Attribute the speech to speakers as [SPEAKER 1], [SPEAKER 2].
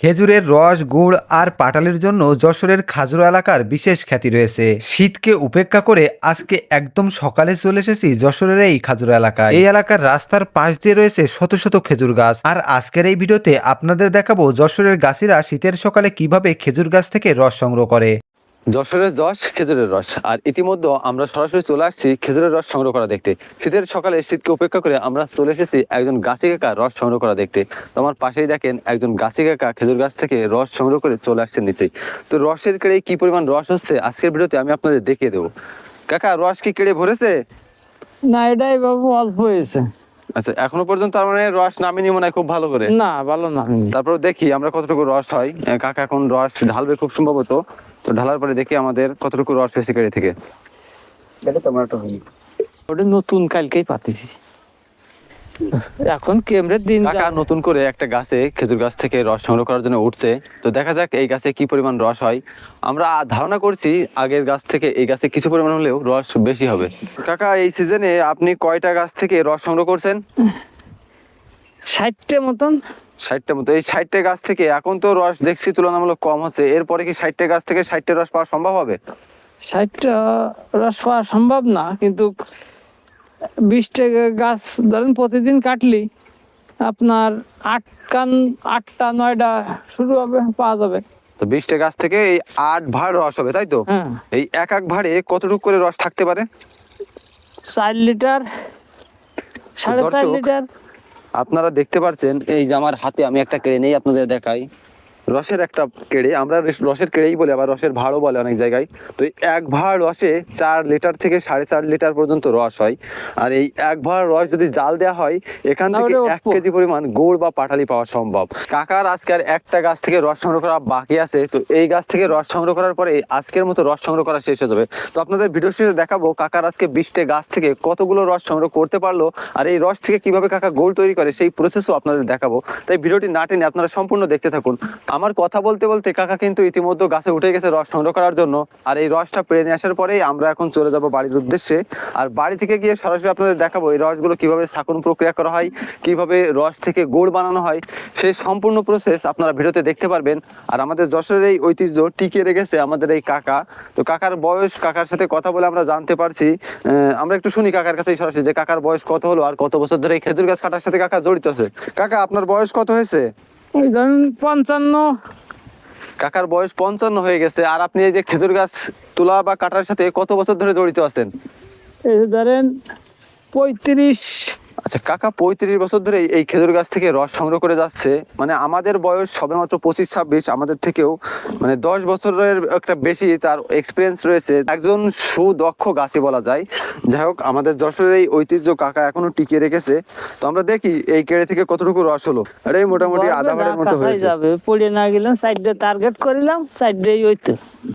[SPEAKER 1] খেজুরের রস, গুড় আর পাটালির জন্য যশোরের খাজুরা এলাকার বিশেষ খ্যাতি রয়েছে। শীতকে উপেক্ষা করে আজকে একদম সকালে চলে এসেছি যশোরের এই খাজুরা এলাকায়। এই এলাকার রাস্তার পাশ দিয়ে রয়েছে শত শত খেজুর গাছ। আর আজকের এই ভিডিওতে আপনাদের দেখাবো যশোরের গাছিরা শীতের সকালে কিভাবে খেজুর গাছ থেকে রস সংগ্রহ করে।
[SPEAKER 2] যশোরের যশ খেজুরের রস। আর ইতিমধ্যে আমরা সরাসরি চলে আসছি খেজুরের রস সংগ্রহ করা দেখতে। শীতের সকালে শীতকে উপেক্ষা করে আমরা চলে এসেছি একজন গাছি কাকা রস সংগ্রহ করা দেখতে। তো আমার পাশেই দেখেন একজন গাছি কাকা খেজুর গাছ থেকে রস সংগ্রহ করে চলে আসছেন নিচেই। তো রসের কেড়ে কি পরিমাণ রস হচ্ছে আজকের ভিডিওতে আমি আপনাদের দেখিয়ে দেবো। কাকা, রস কি কেড়ে ভরেছে?
[SPEAKER 3] না, এটাই বাবু অল্প হয়েছে।
[SPEAKER 2] আচ্ছা, এখনো পর্যন্ত তার মানে রস নামেনি মনে হয় খুব ভালো করে?
[SPEAKER 3] না, ভালো না।
[SPEAKER 2] তারপর দেখি আমরা কতটুকু রস হয়। কাকা এখন রস ঢালবে খুব সম্ভবত। তো ঢালার পরে দেখি আমাদের কতটুকু রস হয়েছে কেড়ে থেকে।
[SPEAKER 3] ওটা নতুন কালকেই পাতেছি, এখন কেমরের দিন।
[SPEAKER 2] কাকা নতুন করে একটা গাছে খেজুর গাছ থেকে রস সংগ্রহ করার জন্য উঠছে। তো দেখা যাক এই গাছে কি পরিমাণ রস হয়। আমরা ধারণা করছি আগের গাছ থেকে এই গাছে কিছু পরিমাণ হলেও রস বেশি হবে। কাকা, এই সিজনে আপনি কয়টা গাছ থেকে রস সংগ্রহ করছেন?
[SPEAKER 3] 60টা মতন।
[SPEAKER 2] 60টা মতো। এই 60টা গাছ থেকে এখন তো রস দেখছি তুলনামূলক কম হচ্ছে। এরপরে কি 60টা গাছ থেকে 60টা রস পাওয়া সম্ভব হবে?
[SPEAKER 3] 60টা রস পাওয়া সম্ভব না, কিন্তু 20টা গাছ ধরেন প্রতিদিন কাটলি আপনার 8টা 9টা শুরু হবে, পাওয়া যাবে।
[SPEAKER 2] তো 20টা গাছ থেকে এই 8 ভাঁড় রস হবে, তাই তো?
[SPEAKER 3] হ্যাঁ।
[SPEAKER 2] এই এক এক ভাঁড়ে কতটুকু করে রস থাকতে পারে?
[SPEAKER 3] 4 লিটার, 4.5
[SPEAKER 2] দর্শক,
[SPEAKER 3] লিটার।
[SPEAKER 2] আপনারা দেখতে পাচ্ছেন এই যে আমার হাতে আমি একটা কেড়ে নেই আপনাদের দেখাই। রসের একটা কেড়ে, আমরা রসের কেড়েই বলে, আবার রসের ভাঁড়ও বলে অনেক জায়গায়। তো এই এক ভাঁড় রসে 4 লিটার থেকে 4.5 লিটার পর্যন্ত রস হয়। আর এই এক ভাঁড় রস যদি জাল দেওয়া হয় এখান থেকে 1 কেজি পরিমাণ গুড় বা পাটালি পাওয়া সম্ভব। কাকার আজকে আর একটা গাছ থেকে রস সংগ্রহ করা বাকি আছে। তো এই গাছ থেকে রস সংগ্রহ করার পরে আজকের মতো রস সংগ্রহ করা শেষ হয়ে যাবে। তো আপনাদের ভিডিও শেষে দেখাবো কাকার আজকে 20টা গাছ থেকে কতগুলো রস সংগ্রহ করতে পারলো, আর এই রস থেকে কিভাবে কাকা গুড় তৈরি করে সেই প্রসেসও আপনাদের দেখাবো। তাই ভিডিওটি না টেনে আপনারা সম্পূর্ণ দেখতে থাকুন। আমার কথা বলতে বলতে কাকা কিন্তু ইতিমধ্যে গাছে উঠে গেছে রস সংগ্রহ করার জন্য। আর এই রসটা পেরে নিয়ে আসার পরেই আমরা এখন চলে যাব বাড়ির উদ্দেশ্যে। আর বাড়ি থেকে গিয়ে সরাসরি আপনাদের দেখাবো এই রসগুলো কিভাবে ছাঁকন প্রক্রিয়া করা হয়, কিভাবে রস থেকে গুড় বানানো হয়, সেই সম্পূর্ণ প্রসেস আপনারা ভিডিওতে দেখতে পারবেন। আর আমাদের যশোরের এই ঐতিহ্য টিকিয়ে রেখেছে আমাদের এই কাকা। তো কাকার বয়স, কাকার সাথে কথা বলে আমরা জানতে পারছি। আমরা একটু শুনি কাকার কাছেই সরাসরি যে কাকার বয়স কত হলো আর কত বছর ধরে এই খেজুর গাছ কাটার সাথে কাকা জড়িত আছে। কাকা, আপনার বয়স কত হয়েছে?
[SPEAKER 3] ওই ধরেন 55।
[SPEAKER 2] কাকার বয়স 55 হয়ে গেছে। আর আপনি এই যে খেজুর গাছ তোলা বা কাটার সাথে কত বছর ধরে জড়িত আছেন?
[SPEAKER 3] এই ধরেন 35।
[SPEAKER 2] আচ্ছা কাকা, 35 বছর ধরে এই খেজুর গাছ থেকে রস সংগ্রহ করে যাচ্ছে। মানে আমাদের বয়স সবেমাত্র 25-26, আমাদের থেকেও মানে 10 বছরের একটা বেশি তার এক্সপিরিয়েন্স রয়েছে। একজন সুদক্ষ গাছি বলা যায়। যাই হোক, আমাদের যশোরের এই ঐতিহ্য কাকা এখনো টিকিয়ে রেখেছে। তো আমরা দেখি এই কেড়ে থেকে কতটুকু রস হলো। এটাই মোটামুটি আধা ভাঁড়ের মতো হয়েছে।
[SPEAKER 3] যাবে পড়ে না গেলাম, সাইডে টার্গেট করিলাম, সাইডেই ওই তো